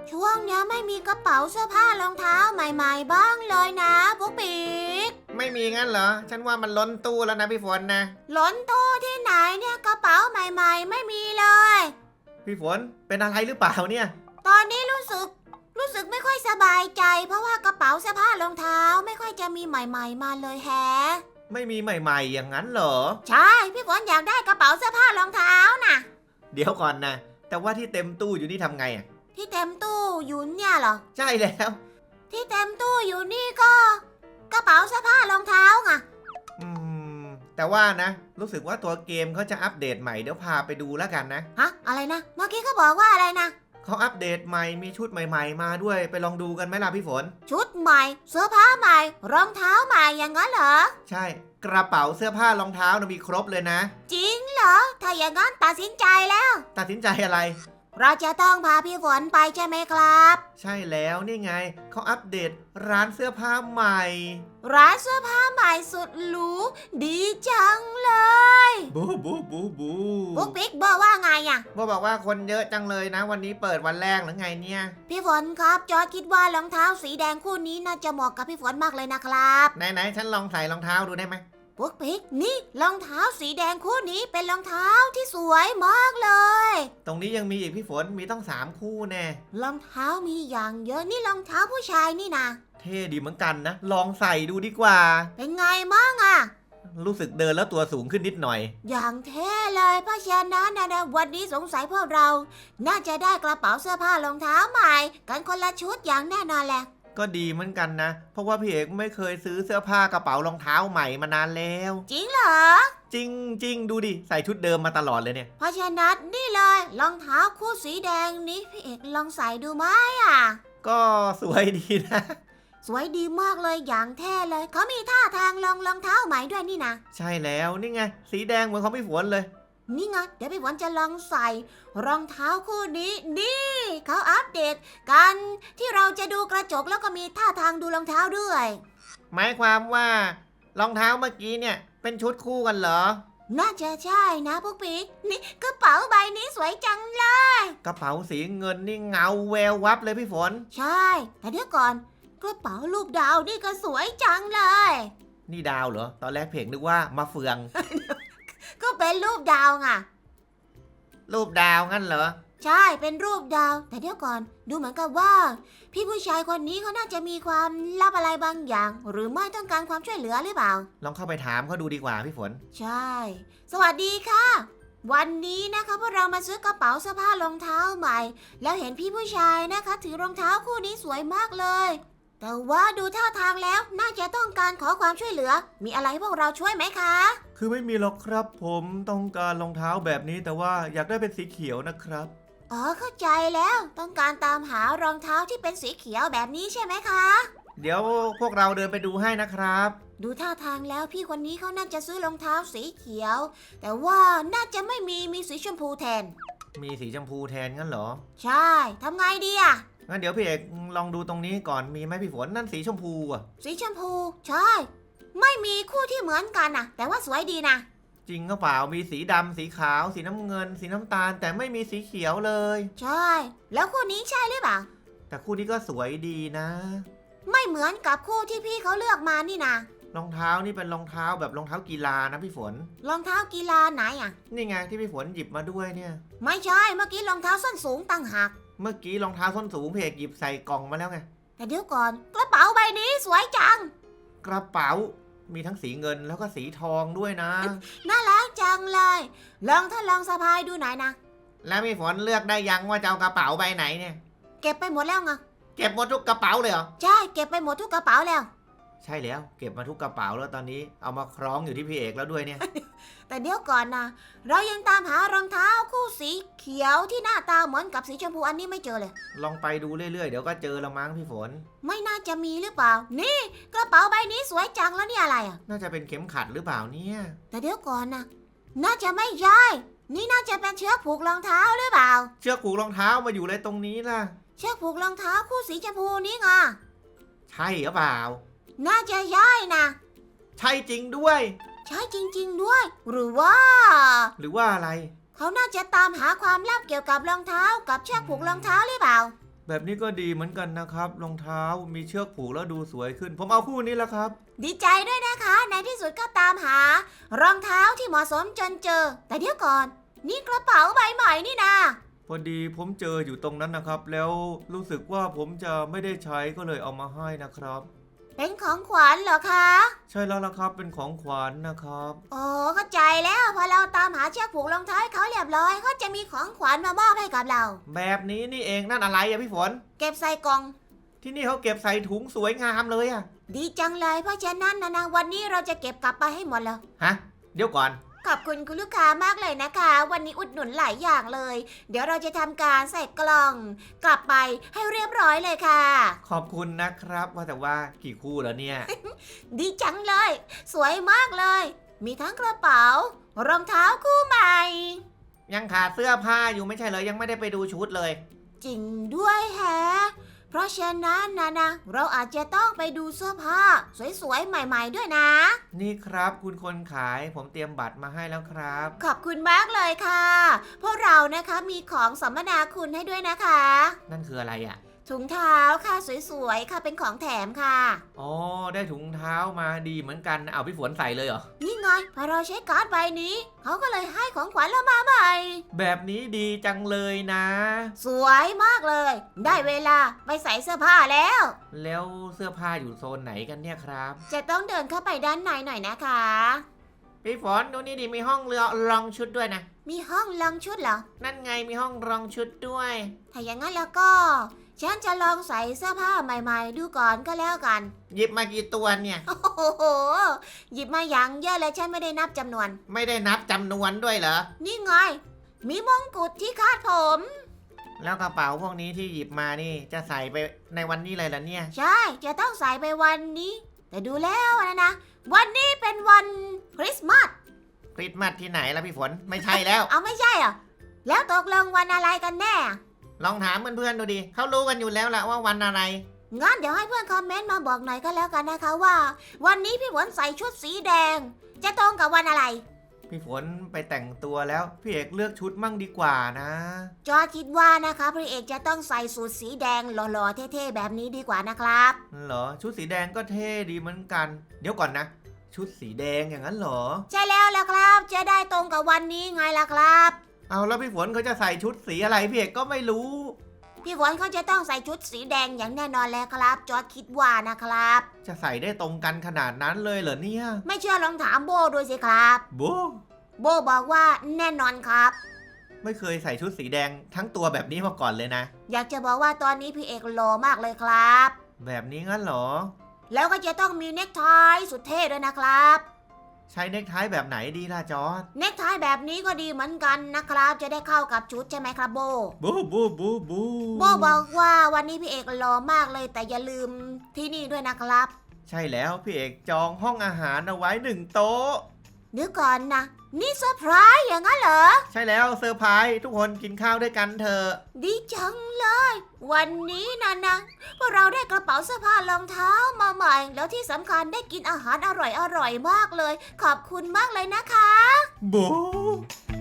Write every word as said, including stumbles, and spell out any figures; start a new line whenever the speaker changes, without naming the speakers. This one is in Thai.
ช่วงนี้ไม่มีกระเป๋าเสื้อผ้ารองเท้าใหม่ๆบ้างเลยนะปุ๊กปิ๊ก
ไม่มีงั้นเหรอฉันว่ามันล้นตู้แล้วนะพี่ฝนนะ
ล้นตู้ที่ไหนเนี่ยกระเป๋าใหม่ๆไม่มีเลย
พี่ฝนเป็นอะไรหรือเปล่าเนี่ย
ตอนนี้รู้สึกรู้สึกไม่ค่อยสบายใจเพราะว่ากระเป๋าเสื้อผ้ารองเท้าไม่ค่อยจะมีใหม่ๆมาเลยแฮะ
ไม่มีใหม่ๆอย่างนั้นเหรอ
ใช่พี่ฝนอยากได้กระเป๋าเสื้อผ้ารองเท้าน่ะ
เดี๋ยวก่อนนะแต่ว่าที่เต็มตู้อยู่นี่ทำไงอ่ะ
ที่เต็มตู้อยู่เนี่ยเหรอ
ใช่แล้ว
ที่เต็มตู้อยู่นี่ก็กระเป๋าเสื้อผ้ารองเท้าไง
อืมแต่ว่านะรู้สึกว่าตัวเกมเขาจะอัปเดตใหม่เดี๋ยวพาไปดูแล้วกันนะ
ฮะอะไรนะเมื่อกี้เขาบอกว่าอะไรนะ
เขาอัปเดตใหม่มีชุดใหม่ๆมาด้วยไปลองดูกันไหมล่ะพี่ฝน
ชุดใหม่เสื้อผ้าใหม่รองเท้าใหม่อย่างนั้นเหรอ
ใช่กระเป๋าเสื้อผ้ารองเท้านะมีครบเลยนะ
จริงเหรอถ้าอย่างนั้นตัดสินใจแล้ว
ตัดสินใจอะไร
เราจะต้องพาพี่ฝนไปใช่ไหมครับ
ใช่แล้วนี่ไงเขาอัปเดตร้านเสื้อผ้าใหม่
ร้านเสื้อผ้าใหม่สุดหรูดีจังเลย
บูบูบูบู
บุ๊กบิ๊กบอกว่าไงอ่ะ
โบบอกว่าคนเยอะจังเลยนะวันนี้เปิดวันแรกหรือไงเนี่ย
พี่ฝนครับจอร์จคิดว่ารองเท้าสีแดงคู่นี้น่าจะเหมาะกับพี่ฝนมากเลยนะครับ
ไหนๆฉันลองใส่รองเท้าดูได้ไหม
ปุ๊กปิ๊กนี่รองเท้าสีแดงคู่นี้เป็นรองเท้าที่สวยมากเลย
ตรงนี้ยังมีอีกพี่ฝนมีต้องสามคู่แน่
รองเท้ามีอย่างเยอะนี่รองเท้าผู้ชายนี่นะ
เท่ดีเหมือนกันนะลองใส่ดูดีกว่า
เป็นไงมั่งอ่ะ
รู้สึกเดินแล้วตัวสูงขึ้นนิดหน่อย
อย่างเท่เลยเพราะฉะนั้นนะวันนี้สงสัยพวกเราน่าจะได้กระเป๋าเสื้อผ้ารองเท้าใหม่กันคนละชุดอย่างแน่นอนแหละ
ก็ดีเหมือนกันนะเพราะว่าพี่เอกไม่เคยซื้อเสื้อผ้ากระเป๋ารองเท้าใหม่มานานแล้ว
จริงเหรอ
จริงจริงดูดิใส่ชุดเดิมมาตลอดเลยเนี่ย
เพราะฉะนั้นนี่เลยรองเท้าคู่สีแดงนี้พี่เอกลองใส่ดูไหมอ่ะ
ก็สวยดีนะ
สวยดีมากเลยอย่างแท้เลยเขามีท่าทางลองรองเท้าใหม่ด้วยนี่นะ
ใช่แล้วนี่ไงสีแดงเหมือนของพี่ฝนเลย
นี่ไงเดี๋ยวพี่ฝนจะลองใส่รองเท้าคู่นี้นี่เขาอัปเดตกันที่เราจะดูกระจกแล้วก็มีท่าทางดูรองเท้าด้วย
หมายความว่ารองเท้าเมื่อกี้เนี่ยเป็นชุดคู่กันเหรอ
น่าจะใช่นะพวกปิ๊กนี่กระเป๋าใบนี้สวยจังเลย
กระเป๋าสีเงินนี่เงาแวววับเลยพี่ฝน
ใช่แต่เดี๋ยวก่อนกระเป๋ารูปดาวนี่ก็สวยจังเลย
นี่ดาวเหรอตอนแรกเพจนึกว่ามาเฟือง
ก็เป็นรูปดาวไง
รูปดาวงั้นเหรอ
ใช่เป็นรูปดาวแต่เดี๋ยวก่อนดูเหมือนกับว่าพี่ผู้ชายคนนี้เขาน่าจะมีความลับอะไรบางอย่างหรือไม่ต้องการความช่วยเหลือหรือเปล่า
ลองเข้าไปถามเขาดูดีกว่าพี่ฝน
ใช่สวัสดีค่ะวันนี้นะคะพวกเรามาซื้อกระเป๋าเสื้อผ้ารองเท้าใหม่แล้วเห็นพี่ผู้ชายนะคะถือรองเท้าคู่นี้สวยมากเลยแต่ว่าดูท่าทางแล้วน่าจะต้องการขอความช่วยเหลือมีอะไรพวกเราช่วยไหมคะ
คือไม่มีหรอกครับผมต้องการรองเท้าแบบนี้แต่ว่าอยากได้เป็นสีเขียวนะครับ
อ๋อเข้าใจแล้วต้องการตามหารองเท้าที่เป็นสีเขียวแบบนี้ใช่ไหมคะ
เดี๋ยวพวกเราเดินไปดูให้นะครับ
ดูท่าทางแล้วพี่คนนี้เขาน่าจะซื้อรองเท้าสีเขียวแต่ว่าน่าจะไม่มีมีสีชมพูแทน
มีสีชมพูแทนงั้นเหรอ
ใช่ทำไงดีอ่ะ
งั้นเดี๋ยวพี่เอกลองดูตรงนี้ก่อนมีไหมพี่ฝนนั่นสีชมพูอ่ะ
สีชมพูใช่ไม่มีคู่ที่เหมือนกันนะแต่ว่าสวยดีนะ
จริงก็เปล่ามีสีดำสีขาวสีน้ำเงินสีน้ำตาลแต่ไม่มีสีเขียวเลย
ใช่แล้วคู่นี้ใช่หรือเปล่า
แต่คู่นี้ก็สวยดีนะ
ไม่เหมือนกับคู่ที่พี่เขาเลือกมานี่นะ
รองเท้านี่เป็นรองเท้าแบบรองเท้ากีฬานะพี่ฝน
รองเท้ากีฬาไหนอ่ะ
นี่ไงที่พี่ฝนหยิบมาด้วยเนี่ย
ไม่ใช่เมื่อกี้รองเท้าส้นสูงต่างหาก
เมื่อกี้รองเท้าส้นสูงเพกหยิบใส่กล่องมาแล้วไง
แต่เดี๋ยวก่อนกระเป๋าใบนี้สวยจัง
กระเป๋ามีทั้งสีเงินแล้วก็สีทองด้วยนะ
น่ารักจังเลยลองถ้าลองสะพายดูหน่อยนะ
แล้วพี่ฝนเลือกได้ยังว่าจะเอากระเป๋าใบไหนเนี่ย
เก็บไปหมดแล้วไง
เก็บหมดทุกกระเป๋าเลยเหรอ
ใช่เก็บไปหมดทุกกระเป๋าแล้ว
ใช่แล้วเก็บมาทุกกระเป๋าแล้วตอนนี้เอามาคล้องอยู่ที่พี่เอกแล้วด้วยเนี่ย
แต่เดี๋ยวก่อนนะเรายังตามหารองเท้าคู่สีเขียวที่หน้าตาเหมือนกับสีชมพูอันนี้ไม่เจอเลย
ลองไปดูเรื่อยๆเดี๋ยวก็เจอละมั้งพี่ฝน
ไม่น่าจะมีหรือเปล่านี่กระเป๋าใบนี้สวยจังแล้วนี่อะไรอ่ะ
น่าจะเป็นเข็มขัดหรือเปล่าเนี่ย
แต่เดี๋ยวก่อนนะน่าจะไม่ใช่นี่น่าจะเป็นเชือกผูกรองเท้าหรือเปล่า
เชือกผูกรองเท้ามาอยู่เลยตรงนี้ล่ะ
เชือกผูกรองเท้าคู่สีชมพูนี่ไง
ใช่หรือเปล่า
น่าจะใช่นะ
ใช่จริงด้วย
ใช่จริงๆด้วยหรือว่า
หรือว่าอะไร
เขาน่าจะตามหาความลับเกี่ยวกับรองเท้ากับเชือกผูกรองเท้าหรือเปล่า
แบบนี้ก็ดีเหมือนกันนะครับรองเท้ามีเชือกผูกแล้วดูสวยขึ้น ผมเอาคู่นี้แล้วครับ
ดีใจด้วยนะคะในที่สุดก็ตามหารองเท้าที่เหมาะสมจนเจอ แต่เดี๋ยวก่อน นี่กระเป๋าใบใหม่นี่นะ
พอดีผมเจออยู่ตรงนั้นนะครับ แล้วรู้สึกว่าผมจะไม่ได้ใช้ก็เลยเอามาให้นะครับ
เป็นของขวัญเหรอคะ
ใช่แล้วล่ะครับเป็นของขวัญนะครับ
โอ้เข้าใจแล้วพอเราตามหาเชือกผูกรองเท้าให้เขาเรียบร้อยเขาจะมีของขวัญมามอบให้กับเรา
แบบนี้นี่เองนั่นอะไรอะพี่ฝน
เก็บใส่กล่อง
ที่นี่เขาเก็บใส่ถุงสวยงามเลยอะ
ดีจังเลยเพราะฉะนั้นนะนะวันนี้เราจะเก็บกลับไปให้หมดเลย
ฮะเดี๋ยวก่อน
ขอบคุณคุณลูกค้ามากเลยนะคะ วันนี้อุดหนุนหลายอย่างเลย เดี๋ยวเราจะทำการใส่กล่อง กลับไปให้เรียบร้อยเลยค่ะ
ขอบคุณนะครับว่าแต่ว่ากี่คู่แล้วเนี่ย
ดีจังเลย สวยมากเลย มีทั้งกระเป๋ารองเท้าคู่ใหม่
ยังขาดเสื้อผ้าอยู่ไม่ใช่เหรอยังไม่ได้ไปดูชุดเลย
จริงด้วยแฮะ เพราะฉะนั้นนะนะเราอาจจะต้องไปดูเสื้อผ้า สวยๆใหม่ๆด้วยนะ
นี่ครับคุณคนขายผมเตรียมบัตรมาให้แล้วครับ
ขอบคุณมากเลยค่ะ พวกเรานะคะมีของสัมมนาคุณให้ด้วยนะคะ
นั่นคืออะไรอ่ะ
ถุงเท้าค่ะสวยๆค่ะเป็นของแถมค่ะ
อ๋อได้ถุงเท้ามาดีเหมือนกันเอาพี่ฝนใส่เลยเหรอ
นี่ไงพอเราใช้การ์ดใบนี้เขาก็เลยให้ของขวัญเรามาใหม่
แบบนี้ดีจังเลยนะ
สวยมากเลย ได้เวลาไปใส่เสื้อผ้าแล้ว
แล้วเสื้อผ้าอยู่โซนไหนกันเนี่ยครับ
จะต้องเดินเข้าไปด้านในหน่อยนะคะ
พี่ฝนดูนี่ดิมีห้องเรือรองชุดด้วยนะ
มีห้องลองชุดเหรอ
นั่นไงมีห้องรองชุดด้วย
ถ้าอย่างนั้นแล้วก็ ฉันจะลองใส่เสื้อผ้าใหม่ๆ ดูก่อนก็แล้วกัน
หยิบมากี่ตัวเนี่ย
โอ้โห หยิบมาอย่างเยอะเลยฉันไม่ได้นับจำนวน
ไม่ได้นับจำนวนด้วยเหรอ
นี่ไง มีมงกุฎที่คาดผม
แล้วกระเป๋าพวกนี้ที่หยิบมานี่จะใส่ไปในวันนี้เลยเหรอเนี่ย
ใช่ จะต้องใส่ไปวันนี้ แต่ดูแล้วนะนะ วันนี้เป็นวันคริสต์มาส
คริสต์มาสที่ไหนล่ะพี่ฝนไม่ใช่แล้ว
เอาไม่ใช่เหรอ แล้วตกลงวันอะไรกันแน่
ลองถามเพื่อนๆดูดิเขารู้กันอยู่แล้วแหละว่าวันอะไร
งั้นเดี๋ยวให้เพื่อนคอมเมนต์มาบอกหน่อยก็แล้วกันนะคะว่า วันนี้พี่ฝนใส่ชุดสีแดง จะตรงกับวันอะไร
พี่ฝนไปแต่งตัวแล้วพี่เอกเลือกชุดมั่งดีกว่านะ
จอร์จคิดว่านะคะพระเอกจะต้องใส่สูทสีแดงหล่อๆเท่ๆแบบนี้ดีกว่านะครับ
เหรอชุดสีแดงก็เท่ดีเหมือนกัน เดี๋ยวก่อนนะ ชุดสีแดงอย่างนั้นเหรอ
ใช่แล้วล่ะครับ จะได้ตรงกับวันนี้ไงล่ะครับ
เอาแล้วพี่ฝนเขาจะใส่ชุดสีอะไรพี่เอกก็ไม่รู้
พี่ฝนเขาจะต้องใส่ชุดสีแดงอย่างแน่นอนแล้วครับ จอร์จคิดว่านะครับ
จะใส่ได้ตรงกันขนาดนั้นเลยเหรอเนี่ย
ไม่เชื่อลองถามโบดูสิครับ
โบ
โบบอกว่าแน่นอนครับ
ไม่เคยใส่ชุดสีแดงทั้งตัวแบบนี้มาก่อนเลยนะ
อยากจะบอกว่าตอนนี้พี่เอกหล่อมากเลยครับ
แบบนี้งั้นเหรอ
แล้วก็จะต้องมีเนคไทสุดเท่ด้วยนะครับ
ใช้เนคไทแบบไหนดีล่ะจอร์จ
เนคไทแบบนี้ก็ดีเหมือนกันนะครับ จะได้เข้ากับชุดใช่ไหมครับโบ
บูบูบูบู
โบบอกว่าวันนี้พี่เอกหล่อมากเลยแต่อย่าลืมที่นี่ด้วยนะครับ
ใช่แล้วพี่เอกจองห้องอาหารเอาไว้หนึ่งโต๊ะ
เดี๋ยวก่อนนะ นี่เซอร์ไพรส์อย่างนั้นเหรอ
ใช่แล้วเซอร์ไพรส์ทุกคนกินข้าวด้วยกันเถอะ
ดีจังเลย วันนี้นะนะพวกเราได้กระเป๋าเสื้อผ้ารองเท้ามาใหม่ แล้วที่สำคัญได้กินอาหารอร่อยๆมากเลย ขอบคุณมากเลยนะคะ
บู